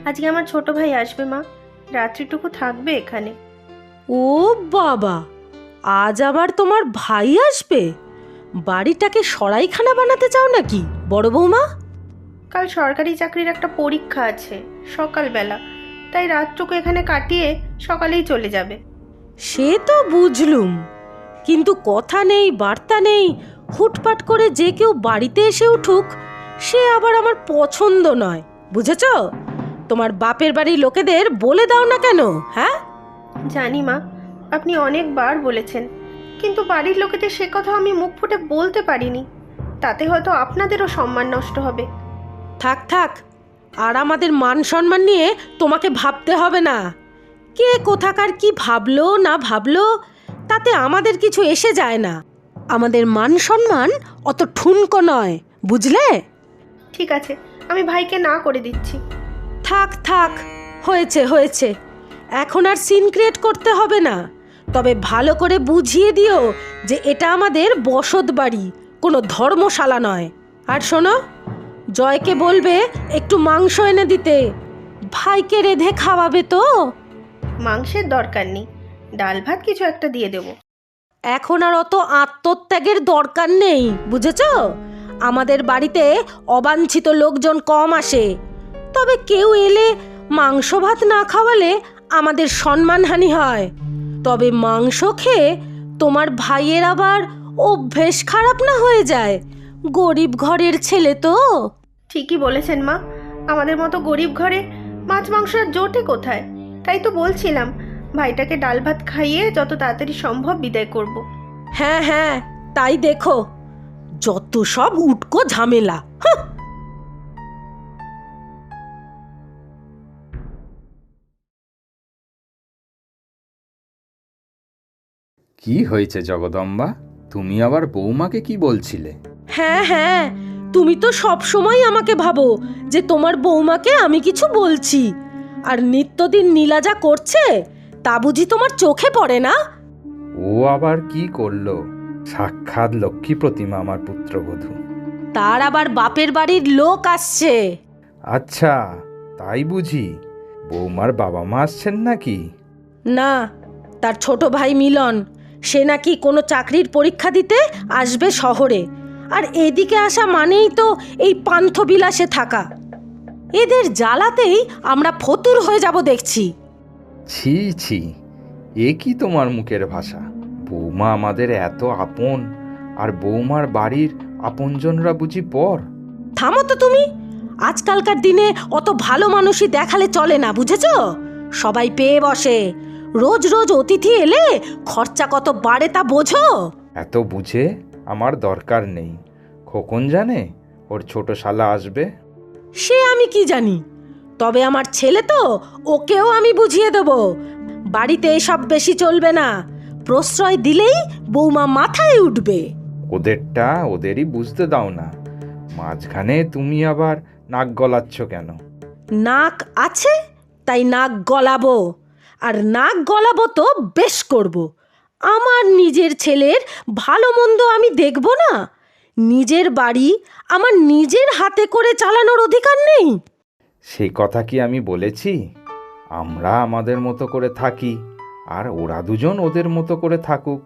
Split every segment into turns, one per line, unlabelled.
আজকে আমার ছোট ভাই আসবে মা, রাত্রিটুকু থাকবে এখানে।
ও বাবা, আজ আবার তোমার ভাই আসবে? বাড়িটাকে সরাইখানা বানাতে চাও নাকি বড় বৌমা?
কাল সরকারি চাকরির একটা পরীক্ষা আছে সকালবেলা, তাই রাতটুকু এখানে কাটিয়ে সকালেই চলে যাবে।
সে তো বুঝলুম, কিন্তু কথা নেই বার্তা নেই, হুটপাট করে যে কেউ বাড়িতে এসে উঠুক, সে আবার আমার পছন্দ নয়, বুঝেছ? তোমার বাপের বাড়ির লোকেদের বলে দাও না কেন? হ্যাঁ,
জানি মা, আপনি অনেকবার বলেছেন, কিন্তু বাড়ির লোকেদের সে কথা আমি মুখ ফুটে বলতে পারিনি। তাতে হয়তো আপনাদেরও সম্মান নষ্ট হবে।
থাক থাক, আর আমাদের মান সম্মান নিয়ে তোমাকে ভাবতে হবে না। কে কোথাকার কি ভাবলো না ভাবলো, তাতে আমাদের কিছু এসে যায় না। আমাদের মান সম্মান অত ঠুনকো নয়, বুঝলে?
ঠিক আছে, আমি ভাইকে না করে দিচ্ছি।
থাক থাক, হয়েছে হয়েছে, এখন আর সিন ক্রিয়েট করতে হবে না। তবে ভালো করে বুঝিয়ে দিও যে এটা আমাদের বসত বাড়ি, কোনো ধর্মশালা নয়। আর শোনো, জয়কে বলবে একটু মাংস এনে দিতে, ভাইকে রেঁধে খাওয়াবে তো।
মাংসের দরকার নেই, ডাল ভাত কিছু একটা দিয়ে দেব।
এখন আর অত আত্মত্যাগের দরকার নেই, বুঝেছ? আমাদের বাড়িতে অবাঞ্ছিত লোকজন কম আসে, তবে কেউ এলে মাংস ভাত না খাওয়ালে আমাদের সম্মানহানি হয়। তবে মাংস খেয়ে তোমার ভাইয়ের আবার অভ্যেস খারাপ না হয়ে যায়, গরিব ঘরের ছেলে তো।
ঠিকই বলেছেন মা, আমাদের মতো গরিব ঘরে মাছ মাংস আর জোটে কোথায়? তাই তো বলছিলাম, ভাইটাকে ডাল ভাত খাইয়ে যত তাড়াতাড়ি সম্ভব বিদায় করব।
হ্যাঁ হ্যাঁ, তাই দেখো, যত সব উটকো ঝামেলা। হাহ!
কি হয়েছে জগদম্বা? তুমি আবার বৌমাকে কি বলছিলে?
হ্যাঁ হ্যাঁ, তুমি তো সব সময় আমাকে ভাবো যে তোমার বৌমাকে আমি কিছু বলছি, আর নিত্যদিন নীলা যা করছে তা বুঝি তোমার চোখে পড়ে না?
ও আবার কি করলো? সাক্ষাৎ লক্ষ্মী প্রতিমা আমার পুত্রবধূ।
তার আবার বাপের বাড়ির লোক আসছে।
আচ্ছা, তাই বুঝি? বৌমার বাবা মা আসছেন নাকি?
না, তার ছোট ভাই মিলন, সে নাকি কোনো চাকরির পরীক্ষা দিতে আসবে শহরে। আর এদিকে আসা মানেই তো এই পান্থবিলাসে থাকা। এদের জ্বালাতেই আমরা ফতুর হয়ে যাব দেখছি।
ছি ছি, এ কি তোমার মুখের ভাষা? বৌমা আমাদের এত আপন, আর বৌমার বাড়ির আপনজনরা বুঝি পর?
থামো তো তুমি, আজকালকার দিনে অত ভালো মানুষই দেখালে চলে না, বুঝেছ? সবাই পেয়ে বসে, রোজ রোজ অতিথি এলে খরচা কত বাড়ে তা বোঝো?
এত বুঝে আমার দরকার নেই। খোকন জানে ওর ছোট শালা আসবে?
সে আমি কি জানি, তবে আমার ছেলে তো, ওকেও আমি বুঝিয়ে দেব বাড়িতে এসব বেশি চলবে না। প্রশ্রয় দিলেই বৌমা মাথায় উঠবে।
ওদেরটা ওদেরই বুঝতে দাও না, মাঝখানে তুমি আবার নাক গলাচ্ছ কেন?
নাক আছে তাই নাক গলাবো, আর নাক গলাবো তো বেশ করব। আমার নিজের ছেলের ভালো মন্দ আমি দেখব না? নিজের বাড়ি আমার নিজের হাতে করে চালানোর অধিকার নেই?
সেই কথা কি আমি বলেছি? আমরা আমাদের মতো করে থাকি, আর ওরা দুজন ওদের মতো করে থাকুক।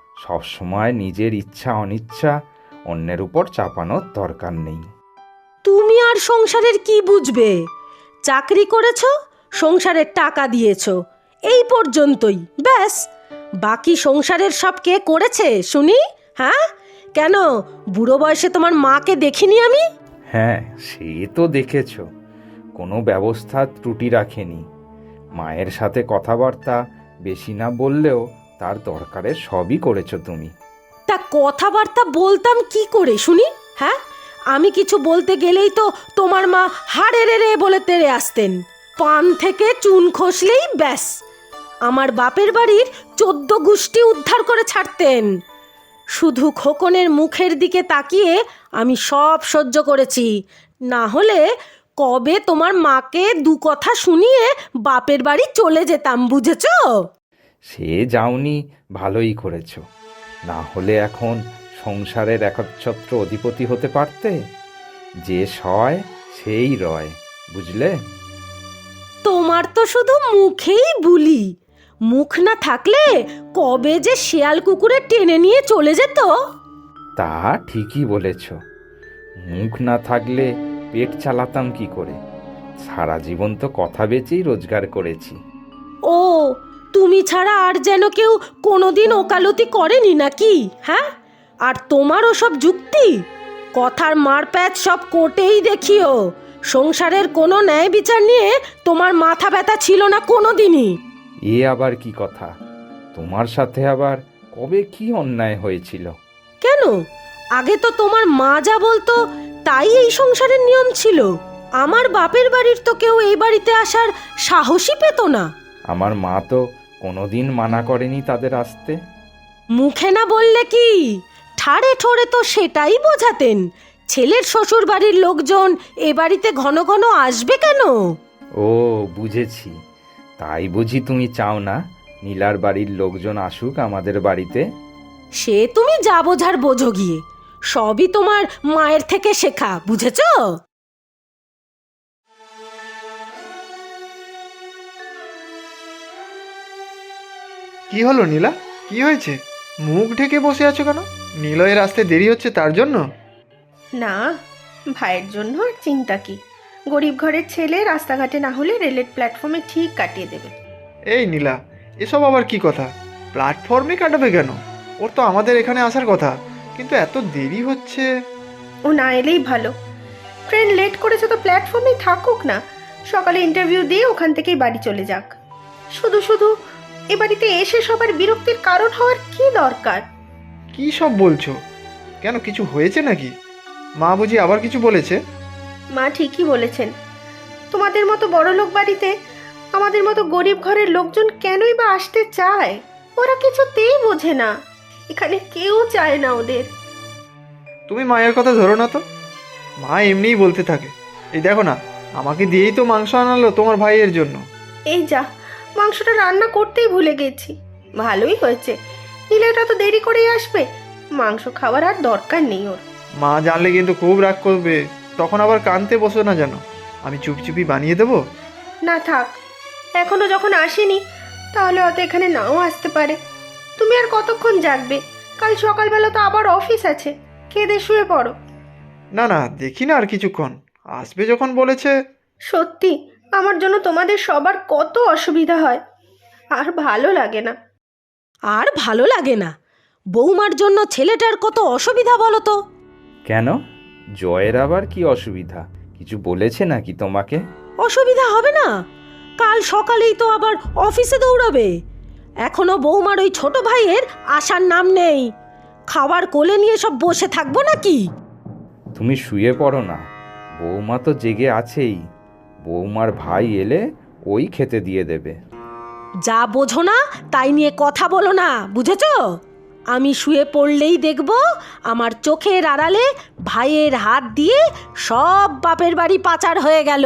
সবসময় নিজের ইচ্ছা অনিচ্ছা অন্যের উপর চাপানোর দরকার নেই।
তুমি আর সংসারের কি বুঝবে? চাকরি করেছ, সংসারের টাকা দিয়েছ, এই পর্যন্তই, ব্যাস। বাকি সংসারের সব কে করেছে শুনি? হ্যাঁ, কেন বুড়ো বয়সে তোমার মাকে দেখিনি আমি?
হ্যাঁ, সে তো দেখেছ, কোনো ব্যবস্থা ত্রুটি রাখেনি। মায়ের সাথে কথাবার্তা বেশি না বললেও তার দরকারের সবই করেছো তুমি।
তা কথাবার্তা বলতাম কি করে শুনি? হ্যাঁ, আমি কিছু বলতে গেলেই তো তোমার মা হাড়ে রে বলে তেড়ে আসতেন। পান থেকে চুন খসলেই ব্যাস, আমার বাপের বাড়ির 14 গোষ্ঠী উদ্ধার করে ছাড়তেন। শুধু খোকনের মুখের দিকে তাকিয়ে আমি সব সহ্য করেছি, না হলে কবে তোমার মাকে দু কথা শুনিয়ে বাপের বাড়ি চলে যেতাম, বুঝেছো?
সে যাওনি, ভালোই করেছো। না হলে এখন সংসারের একচ্ছত্র অধিপতি হতে পারতে। যে সয় সেই রয়, বুঝলে?
তোমার তো শুধু মুখেই বুলি, মুখ না থাকলে কবে যে শেয়াল কুকুরে টেনে নিয়ে চলে যেত।
তা ঠিকই বলেছ, মুখ না থাকলে পেট চালাতাম কি করে? সারা জীবন তো কথা বেচেই রোজগার করেছি।
ও, তুমি ছাড়া আর যেন কেউ কোনোদিন ওকালতি করেনি নাকি? হ্যাঁ, আর তোমার ওসব যুক্তি, কথার মারপ্যাচ সব কোর্টেই দেখিও। সংসারের কোনো ন্যায় বিচার নিয়ে তোমার মাথা ব্যথা ছিল না কোনোদিনই।
এ আবার কি কথা? তোমার সাথে আবার কবে কি অন্যায় হয়েছিল?
কেন, আগে তো তোমার মা যা বলতো তাই এই সংসারের নিয়ম ছিল। আমার বাপের বাড়ির তো কেউ এই বাড়িতে আসার সাহসই পেত না।
আমার মা তো কোনোদিন মানা করেনি তাদের আসতে।
মুখে না বললে কি, ঠাড়ে ঠোড়ে তো সেটাই বোঝাতেন। ছেলের শ্বশুর বাড়ির লোকজন এ বাড়িতে ঘন ঘন আসবে কেন?
ও, বুঝেছি। তাই বুঝি তুমি চাও না নীলার বাড়ির লোকজন আসুক আমাদের বাড়িতে?
সে তুমি যা বোঝার বোঝো গিয়ে, সবই তোমার মায়ের থেকে শেখা, বুঝেছ?
কি হলো নীলা, কি হয়েছে? মুখ ঢেকে বসে আছো কেন? নিলয়ের আসতে দেরি হচ্ছে তার জন্য?
না, ভাইয়ের জন্য আর চিন্তা কি। গরিব ঘরের ছেলে রাস্তাঘাটে না হলে রেলের প্ল্যাটফর্মে ঠিক কাটিয়ে দেবে।
এই নীলা, এসব আবার কি কথা? প্ল্যাটফর্মে কাটাবে কেন? ওর তো আমাদের এখানে আসার কথা, কিন্তু এত দেরি হচ্ছে।
ও না এলেই ভালো। ট্রেন লেট করেছে তো প্ল্যাটফর্মেই থাকুক না, সকালে ইন্টারভিউ দিয়ে ওখান থেকেই বাড়ি চলে যাক। শুধু শুধু এ বাড়িতে এসে সবার বিরক্তির কারণ হওয়ার কি দরকার?
কি সব বলছো? কেন, কিছু হয়েছে নাকি? মা বুঝি আবার কিছু বলেছে?
মা ঠিকই বলেছেন। তোমাদের মতো বড়লোক বাড়িতে আমাদের মতো গরিব ঘরের লোকজন কেনই বা আসতে চায়? ওরা কিছুতেই বোঝে না, এখানে কেউ চায় না ওদের।
তুমি মায়ের কথা ধরো না তো, মা এমনিই বলতে থাকে। এই দেখো না, আমাকে দিয়েই তো মাংস আনালো তোমার ভাইয়ের জন্য।
এই যা, মাংসটা রান্না করতেই ভুলে গেছি। ভালোই হয়েছে, নীলাটা তো দেরি করেই আসবে, মাংস খাওয়ার আর দরকার নেই ওর।
মা জানলে কিন্তু খুব রাগ করবে, তখন আবার কাঁদতে বসো না যেন। আমি চুপচুপি বানিয়ে দেবো।
না থাক, এখনো যখন আসেনি তাহলে হয়তো এখানে নাও আসতে পারে। তুমি আর কতক্ষণ জাগবে? কাল সকালবেলা তো আবার অফিস আছে, খেয়ে দিয়ে শুয়ে পড়ো।
না না, দেখি না আর কিছুক্ষণ, আসবে যখন বলেছে।
সত্যি আমার জন্য তোমাদের সবার কত অসুবিধা হয়, আর ভালো লাগে না।
আর ভালো লাগে না? বৌমার জন্য ছেলেটার কত অসুবিধা বলো তো।
কেন, জয়ের আবার কি অসুবিধা? কিছু বলেছে নাকি তোমাকে?
অসুবিধা হবে না? কাল সকালেই তো আবার অফিসে দৌড়াবে। এখনো বৌমার ওই ছোট ভাইয়ের আসার নাম নেই। খাবার কোলে নিয়ে সব বসে থাকবো নাকি?
তুমি শুয়ে পড়ো না, বৌমা তো জেগে আছেই। বৌমার ভাই এলে ওই খেতে দিয়ে দেবে।
যা বোঝো না তাই নিয়ে কথা বলো না, বুঝেছো? আমি শুয়ে পড়লেই দেখব আমার চোখের আড়ালে ভাইয়ের হাত দিয়ে সব বাপের বাড়ি পাচার হয়ে গেল।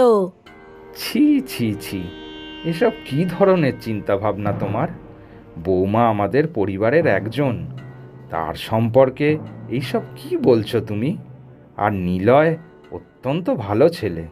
ছি ছি ছি, এসব কি ধরনের চিন্তা ভাবনা তোমার? বৌমা আমাদের পরিবারের একজন, তার সম্পর্কে এইসব কি বলছো তুমি? আর নিলয় অত্যন্ত ভালো ছেলে।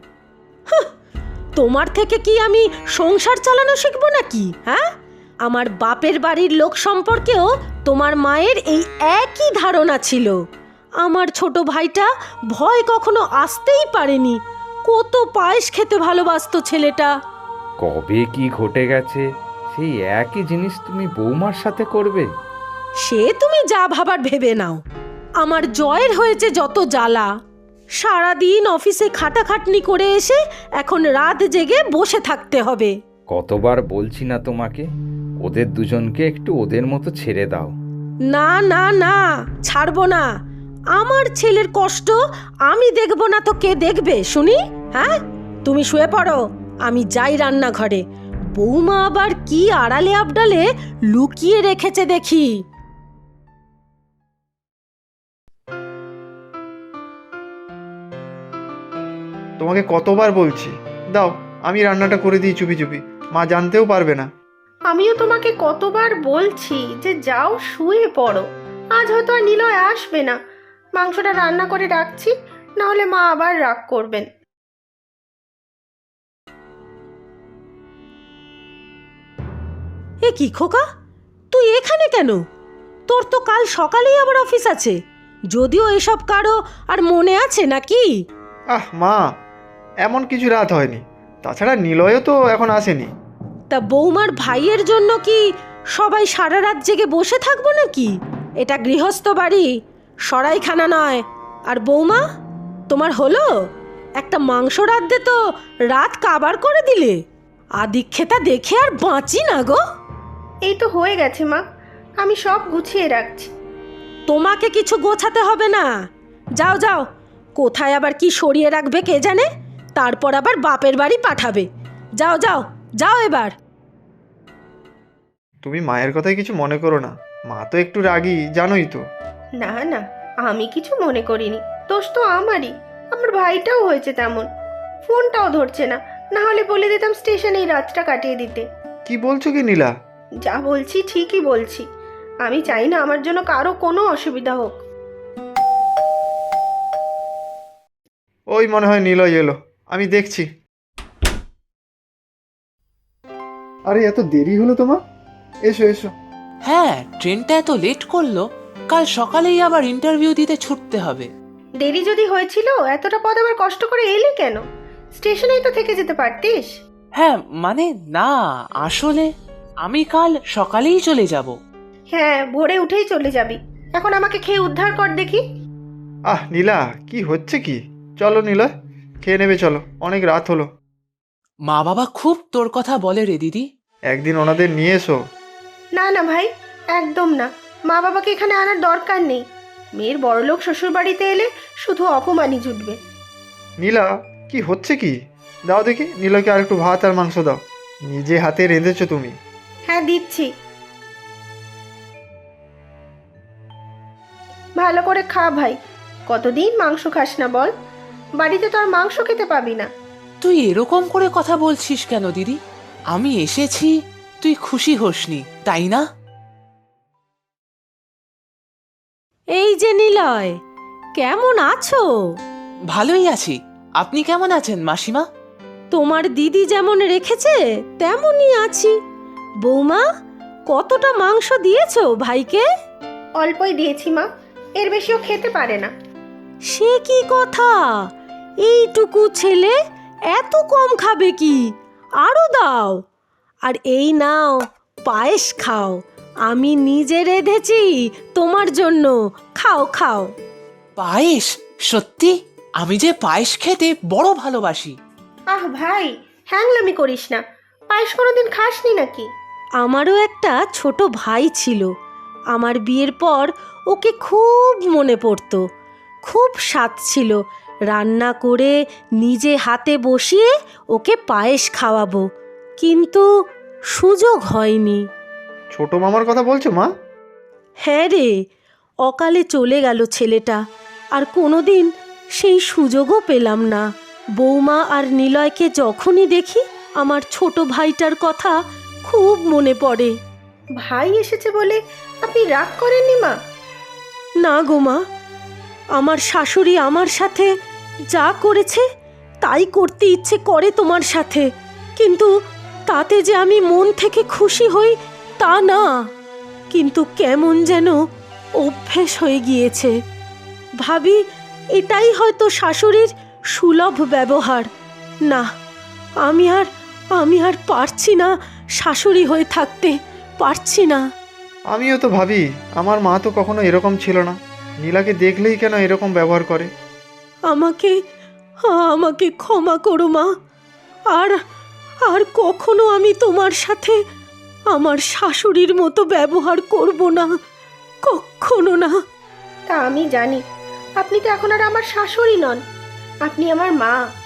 তোমার থেকে কি আমি সংসার চালানো শিখবো নাকি? হ্যাঁ, আমার বাপের বাড়ির লোক সম্পর্কেও তোমার মায়ের এই একই ধারণা ছিল। আমার ছোট ভাইটা ভয় কখনো আসতেই পারেনি। কত পায়েস খেতে ভালোবাসতো ছেলেটা।
কবে কি ঘটে গেছে সেই একই জিনিস তুমি বৌমার সাথে করবে?
সে তুমি যা ভাবার ভেবে নাও। আমার জয়ের হয়েছে যত জ্বালা। সারাদিন অফিসে খাটাখাটনি করে এসে এখন রাত জেগে বসে থাকতে হবে।
কতবার বলছি না তোমাকে, ওদের দুজনকে একটু ওদের মতো ছেড়ে দাও।
না না না, ছাড়বো না। আমার ছেলের কষ্ট আমি দেখবো না তো কে দেখবে শুনি? হ্যাঁ, তুমি শুয়ে পড়ো, আমি যাই রান্নাঘরে। বৌমা আবার কি আড়ালে আবডালে লুকিয়ে রেখেছে দেখি।
তোমাকে কতবার বলছি, দাও আমি রান্নাটা করে দিই চুপি চুপি, মা জানতেও পারবে না।
আমিও তোমাকে কতবার বলছি যে যাও শুয়ে পড়ো। আজ হয়তো আর নিলয় আসবে না, মাংসটা রান্না করে রাখছি, না হলে মা আবার রাগ করবেন।
এ কি খোকা, তুই এখানে কেন? তোর তো কাল সকালেই আবার অফিস আছে। যদিও এসব কারো আর মনে আছে নাকি?
আহ মা, এমন কিছু রাত হয়নি। তাছাড়া নিলয়ও তো এখন আসেনি।
তা বৌমার ভাইয়ের জন্য কি সবাই সারা রাত জেগে বসে থাকবো নাকি? এটা গৃহস্থ বাড়ি, সরাইখানা নয়। আর বৌমা, তোমার হলো? একটা মাংস রাঁধতে তো রাত কাবার করে দিলে। আদিক্ষেতা দেখে আর বাঁচি না গো।
এই তো হয়ে গেছে মা, আমি সব গুছিয়ে রাখছি।
তোমাকে কিছু গোছাতে হবে না। যাও যাও, কোথায় আবার কি সরিয়ে রাখবে কে জানে, তারপর আবার বাপের বাড়ি পাঠাবে। যাও যাও যাও এবার।
তুমি মায়ের কথায় কিছু মনে করো না, মা তো একটু রাগী, জানোই তো।
না না, আমি কিছু মনে করিনি, দোষ তো আমারই। আমার ভাইটাও হয়েছে তেমন, ফোনটাও ধরছে না, না হলে বলে দিতাম স্টেশনেই রাতটা কাটিয়ে দিতে।
কি বলছো কি নীলা?
যা বলছি ঠিকই বলছি, আমি চাই না আমার জন্য কারো কোনো অসুবিধা হোক।
ওই মনে হয় নিলয় এলো, আমি দেখছি। আরে এত দেরি হলো তোমার? এসো এসো।
হ্যাঁ, ট্রেনটা এত লেট করলো। কাল সকালেই আবার ইন্টারভিউ দিতে ছুটতে হবে।
দেরি যদি হয়েছিল, এতটা পথ আবার কষ্ট করে এলি কেন? স্টেশনেই তো থেকে যেতে পারতিস।
হ্যাঁ মানে না, আসলে আমি কাল সকালেই চলে যাব।
হ্যাঁ, ভোরে উঠেই চলে যাবি। এখন আমাকে খেয়ে উদ্ধার কর দেখি।
আহ নীলা, কি হচ্ছে কি? চলো নিলয়, খেয়ে নেবে চলো, অনেক রাত হলো।
মা বাবা খুব তোর কথা বলে রে দিদি।
একদিন ওনাদের নিয়ে এসো।
না না ভাই, একদম না। মা বাবাকে এখানে আনার দরকার নেই। মেয়ের বড়লোক শ্বশুর বাড়িতে এলে শুধু অপমানই জুটবে।
নীলা, কি হচ্ছে কি? দাও দেখি নিলয়কে আর একটু ভাত আর মাংস দাও, নিজে হাতে রেঁধেছো তুমি।
হ্যাঁ দিচ্ছি। ভালো করে খা ভাই, কতদিন মাংস খাস না বল? বাড়িতে তো আর মাংস খেতে পাবি না।
তুই এরকম করে কথা বলছিস কেন দিদি? আমি এসেছি, তুই খুশি হোসনি তাই না?
এই যে নিলয়, কেমন আছো?
ভালোই আছি। আপনি কেমন আছেন মাসিমা?
তোমার দিদি যেমন রেখেছে তেমনই আছি। বৌমা, কতটা মাংস দিয়েছো ভাইকে?
অল্পই দিয়েছি মা, এর বেশিও খেতে পারে না।
সে কি কথা, এইটুকু ছেলে এত কম খাবে কি? আরো দাও। আর এই নাও, পায়েস খাও, আমি নিজে রেঁধেছি তোমার জন্য। খাও খাও।
পায়েস? সত্যি? আমি যে পায়েস খেতে বড় ভালোবাসি।
আহ ভাই, হ্যাংলামি করিস না। পায়েস কোনোদিন খাসনি নাকি?
আমারও একটা ছোট ভাই ছিল। আমার বিয়ের পর ওকে খুব মনে পড়তো। খুব স্বাদ ছিল, রান্না করে নিজে হাতে বসিয়ে ওকে পায়েস খাওয়াবো, কিন্তু সুযোগ হয়নি।
ছোট মামার কথা বলছো মা?
হ্যাঁ রে, অকালে চলে গেল ছেলেটা, আর কোনোদিন সেই সুযোগও পেলাম না। বৌমা আর নিলয়কে যখনই দেখি আমার ছোট ভাইটার কথা খুব মনে পড়ে।
ভাই এসেছে বলে আপনি রাগ করেননি মা?
না গো মা, আমার শাশুড়ি আমার সাথে যা করেছে তাই করতে ইচ্ছে করে তোমার সাথে, কিন্তু তাতে যে আমি মন থেকে খুশি হই তা না। কিন্তু কেমন যেন অভ্যেস হয়ে গিয়েছে। ভাবি এটাই হয়তো শাশুড়ির সুলভ ব্যবহার। না, আমি আর পারছি না শাশুড়ি হয়ে থাকতে, পারছি না।
আমিও তো ভাবি, আমার মা তো কখনো এরকম ছিল না, নীলাকে দেখলেই কেন এরকম ব্যবহার করে।
আমাকে ক্ষমা করো মা। আর কখনো আমি তোমার সাথে আমার শাশুড়ির মতো ব্যবহার করব না, কখনো না।
তা আমি জানি, আপনি তো এখন আর আমার শাশুড়ি নন, আপনি আমার মা।